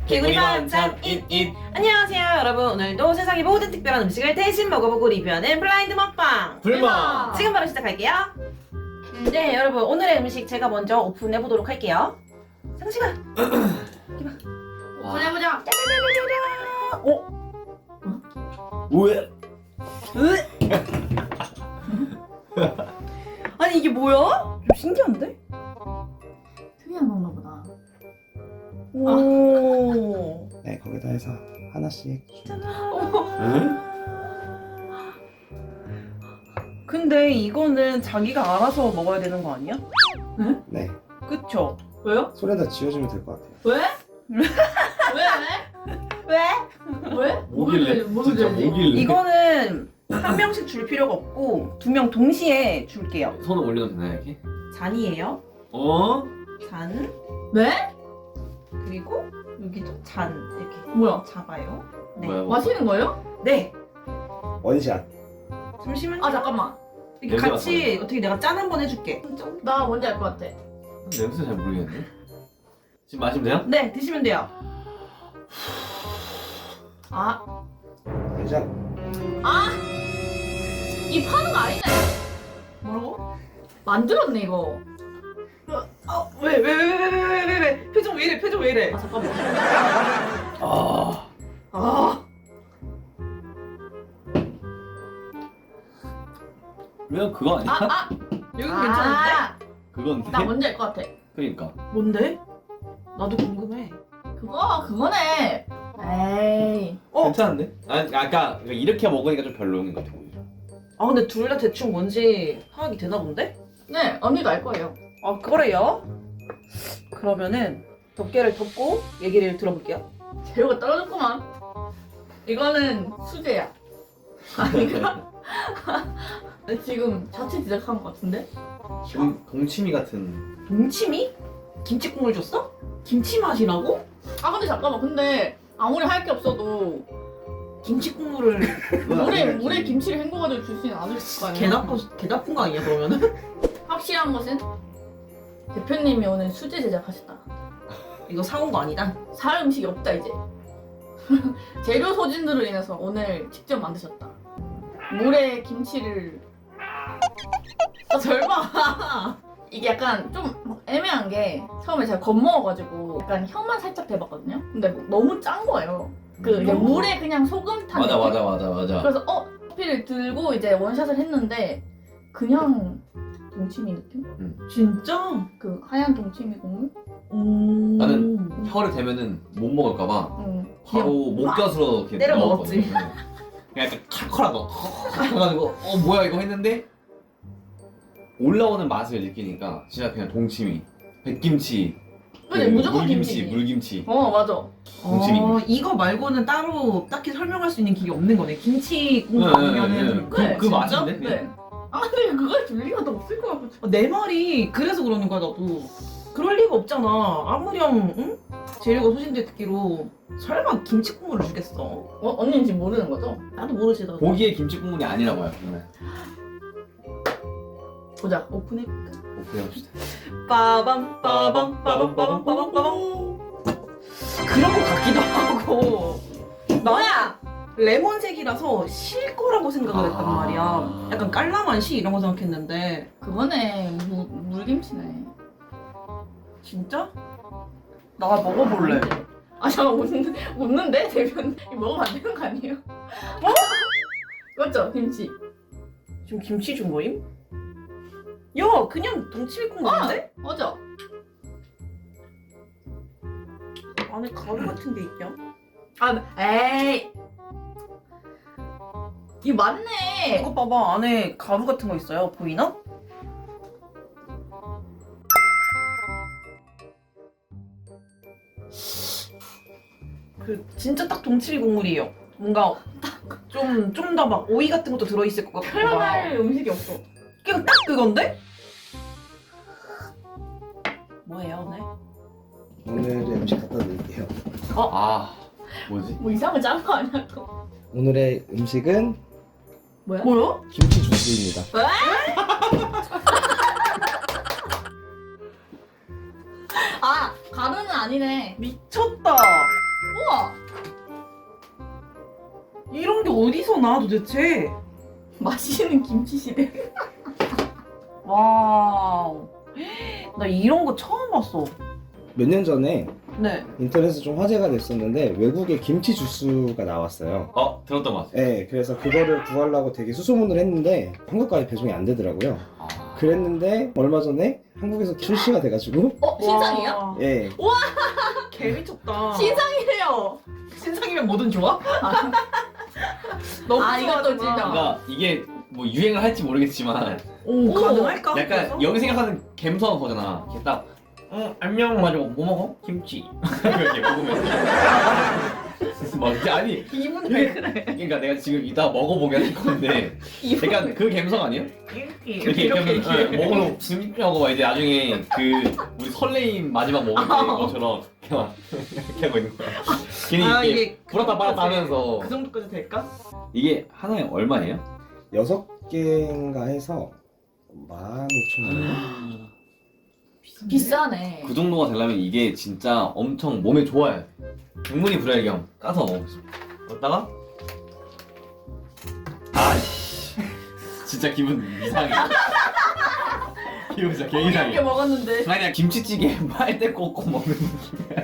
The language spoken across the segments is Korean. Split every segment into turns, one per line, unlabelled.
개구리만 참 잇잇. 안녕하세요 여러분, 오늘도 세상의 모든 특별한 음식을 대신 먹어보고 리뷰하는 블라인드 먹방
불멍!
지금 바로 시작할게요. 네 여러분, 오늘의 음식 제가 먼저 오픈해보도록 할게요. 상식아
오픈해보자!
짜자자자자. 오?
왜?
아니 이게 뭐야? 좀 신기한데?
특이한 건가 보다.
오.
네, 거기다 해서 하나씩.
응?
근데 이거는 자기가 알아서 먹어야 되는 거 아니야?
네,
그쵸?
왜요?
손에다 쥐어주면 될 것 같아요.
왜? 왜? 왜?
뭐길래?
뭐길래?
뭐길래?
이거는 한 명씩 줄 필요가 없고 두 명 동시에 줄게요.
손을 올려도 되나요 이렇게?
잔이에요.
어?
잔.
네?
그리고 여기도 잔 이렇게
뭐야?
잡아요. 네.
뭐야?
마시는 거예요?
네.
원샷.
잠시만요.
아 잠깐만.
이렇게
냄새
같이
맡아요.
어떻게 내가 짠 한번 해줄게.
나 뭔지 알 것 같아.
냄새 잘 모르겠는데? 지금 마시면 돼요?
네, 드시면 돼요.
아,
원샷.
이 파는 거 아니네.
뭐라고?
만들었네 이거.
왜? 표정 왜 이래? 표정 왜 이래?
아 잠깐만.
아
아,
왜 그거 아니야?
여기 괜찮은데?
그건데?
나 뭔지 알 것 같아.
그러니까
뭔데? 나도 궁금해.
그거네. 에이.
괜찮은데? 아까 이렇게 먹으니까 좀 별로인 것 같아 오히려.
아 근데 둘 다 대충 뭔지 파악이 되나 본데?
네, 언니도 알 거예요.
아 그래요? 그러면은 덮개를 덮고 얘기를 들어볼게요.
재료가 떨어졌구만. 이거는 수제야. 아니가? 지금 자체 제작한 것 같은데?
동치미 같은.
동치미? 김치 국물 줬어? 김치 맛이라고?
아 근데 잠깐만. 근데 아무리 할 게 없어도
김치 국물을
물에 김치를 헹궈가지고 줄 수는 않을 거 아니야.
개 나쁜 거 아니야 그러면은?
확실한 것은 대표님이 오늘 수제 제작하셨다.
이거 사온 거 아니다.
살 음식이 없다 이제. 재료 소진으로 인해서 오늘 직접 만드셨다. 물에 김치를 설마. 이게 약간 좀 애매한 게 처음에 제가 겁먹어가지고 약간 혀만 살짝 대봤거든요. 근데 너무 짠 거예요. 그 이제 물에 그냥 소금 탄 느낌?
맞아.
그래서 커피를 들고 이제 원샷을 했는데 그냥 동치미 느낌?
진짜?
그 하얀 동치미 국물?
나는 혀를 대면은 못 먹을까봐
응.
바로 목젖으로 이렇게
때려
넣었거든.
먹었지.
그냥 약간 칼칼하고 해가지고 뭐야 이거 했는데 올라오는 맛을 느끼니까 진짜 그냥 동치미, 백김치,
근데 무조건
물김치,
김치지.
물김치.
맞아.
동치미.
이거 말고는 따로 딱히 설명할 수 있는 길이 없는 거네. 김치 국물 아니면은
네,
그
진짜?
맛인데?
네. 아 근데 그걸 줄 리가 더 없을 것 같아.
내 말이 그래서 그러는 거야 나도. 그럴 리가 없잖아. 아무렴 응? 재료가 소진됐기로 설마 김치 국물을 주겠어?
언니는 지금 모르는 거죠?
나도 모르지 나도.
고기의 김치 국물이 아니라고요. 정말.
보자.
오픈해볼까?
오픈해봅시다.
빠밤 그런 거 같기도 하고.
뭐야?
레몬색이라서 실 거라고 생각을 했단 말이야. 약간 깔라만 시 이런 거 생각했는데
그거네. 물김치네.
진짜? 나 먹어볼래.
아 잠깐 웃는데 대변 이거 먹으면 안 되는 거 아니에요? 맞죠 김치.
지금 김치 준 거임? 야 그냥 동치미 국물인데?
맞아.
안에 가루 같은 게 있냐?
에이. 이거 맞네.
이거 봐봐, 안에 가루 같은 거 있어요. 보이나? 그 진짜 딱 동치미 국물이에요. 뭔가 좀 더 막 오이 같은 것도 들어있을 것 같고.
표현할 음식이 없어.
그냥 딱 그건데? 뭐예요 오늘?
오늘의 음식 갖다 드릴게요.
뭐지?
뭐 이상한 짠거 아니야 또?
오늘의 음식은
뭐야?
뭐야?
김치 주스입니다.
가루는 아니네.
미쳤다.
우와!
이런 게 어디서 나 도대체?
맛있는 김치 시대.
와우. 나 이런 거 처음 봤어.
몇 년 전에
네.
인터넷에서 좀 화제가 됐었는데 외국에 김치 주스가 나왔어요.
들었던 것 같아.
네, 그래서 그거를 구하려고 되게 수소문을 했는데 한국까지 배송이 안 되더라고요. 그랬는데 얼마 전에 한국에서 출시가 돼가지고
신상이야?
와,
예,
개 미쳤다.
신상이래요.
신상이면 뭐든 좋아? 너무
아, 이것도
좋아하잖아.
진짜.
그러니까 이게 뭐 유행을 할지 모르겠지만
오, 가능할까?
약간
그래서?
여기 생각하는 갬성 거잖아. 이렇게 딱 안녕 가지고 뭐 먹어? 김치. 이렇게 먹으면 막 이렇게 아니
기분 왜 그래?
그러니까 내가 지금 이따 먹어보게 할 건데 약간 그 갬성 아니에요? 이렇게 먹으면 진짜하고 막 이제 나중에 그 우리 설레임 마지막 먹을 때 것처럼 이렇게 하고 있는 거야. 괜히
아,
이렇게
이게
불었다 빨았다 하면서
그 정도까지 될까?
이게 하나에 얼마예요?
6개인가 해서 15,000원.
비싸네.
그 정도가 되려면 이게 진짜 엄청 몸에 좋아요. 국물이 불혈경 까서 먹겠습니다. 먹다가 아씨 진짜 기분 이상해. 기분 진짜 개
이렇게
이상해.
먹었는데.
그냥 김치찌개 빨대 꽂고 먹는 느낌이야.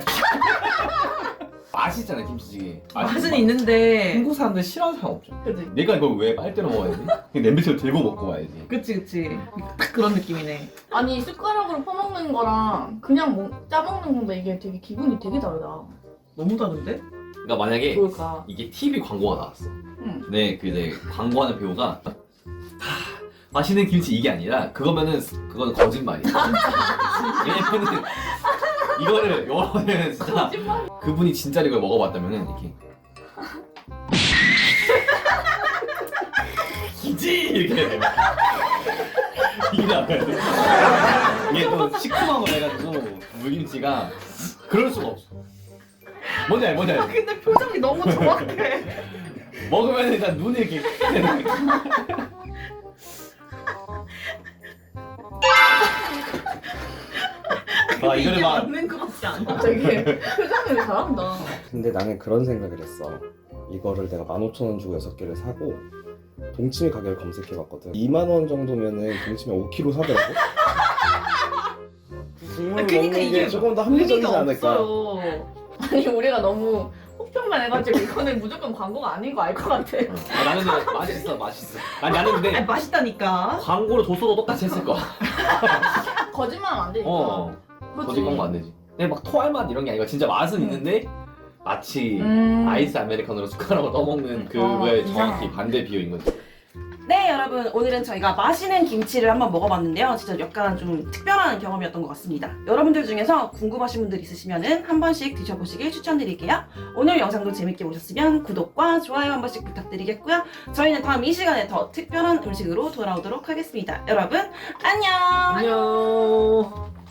맛있잖아 김치찌개.
맛은 있는데.
한국 사람들 싫어하는 사람 없죠.
그지?
내가 이걸 왜 빨대로 먹어야지? 그냥 냄비채로 들고 먹고 와야지.
그치. 딱 그런 느낌이네.
아니 숟가락으로 퍼먹는 거랑 그냥 짜먹는 건데 이게 되게 기분이 되게 다르다.
너무 다른데?
그러니까 만약에
뭘까?
이게 TV 광고가 나왔어.
응.
근데 그 이제 광고하는 배우가 맛있는 김치 이게 아니라 그거는 거짓말이야. 왜냐면은 이거를 여러분은 진짜
거짓말.
그분이 진짜로 이걸 먹어봤다면은 이렇게 김치 이렇게 해야 돼. 이게 나와야 돼. 이게 또 시큼한 걸 해가지고 물김치가 그럴 수가 없어. 뭔지 알지?
근데 표정이 너무 정확해.
먹으면 일단 눈이 이렇게 크게 되는 거야. 아 이거를
이게
막
맞는 것 같지 않아?
되게 표정이 잘한다.
근데 나는 그런 생각을 했어. 이거를 내가 15,000원 주고 6개를 사고 동치미 가격을 검색해봤거든. 2만 원 정도면은 동치미 5kg 사더라고. 국물
그러니까
먹는
이게
게 조금 더 합리적이지
의미가
않을까.
없어요.
아니 우리가 너무 혹평만 해가지고 이거는 무조건 광고가 아닌 거 알 것 같아.
나는 근데 맛있어. 나는 근데
아니, 맛있다니까.
광고를 줬어도 똑같이 했을 거야.
거짓말하면 안 되니까.
그러니까. 거짓 광고 안 되지. 근데 막 토할 맛 이런 게 아니고 진짜 맛은 있는데 마치 아이스 아메리카노로 숟가락으로 떠먹는 그거에 정확히 반대 비율인 거지.
네, 여러분, 오늘은 저희가 맛있는 김치를 한번 먹어봤는데요. 진짜 약간 좀 특별한 경험이었던 것 같습니다. 여러분들 중에서 궁금하신 분들 있으시면은 한 번씩 드셔보시길 추천드릴게요. 오늘 영상도 재밌게 보셨으면 구독과 좋아요 한 번씩 부탁드리겠고요. 저희는 다음 이 시간에 더 특별한 음식으로 돌아오도록 하겠습니다. 여러분, 안녕!
안녕.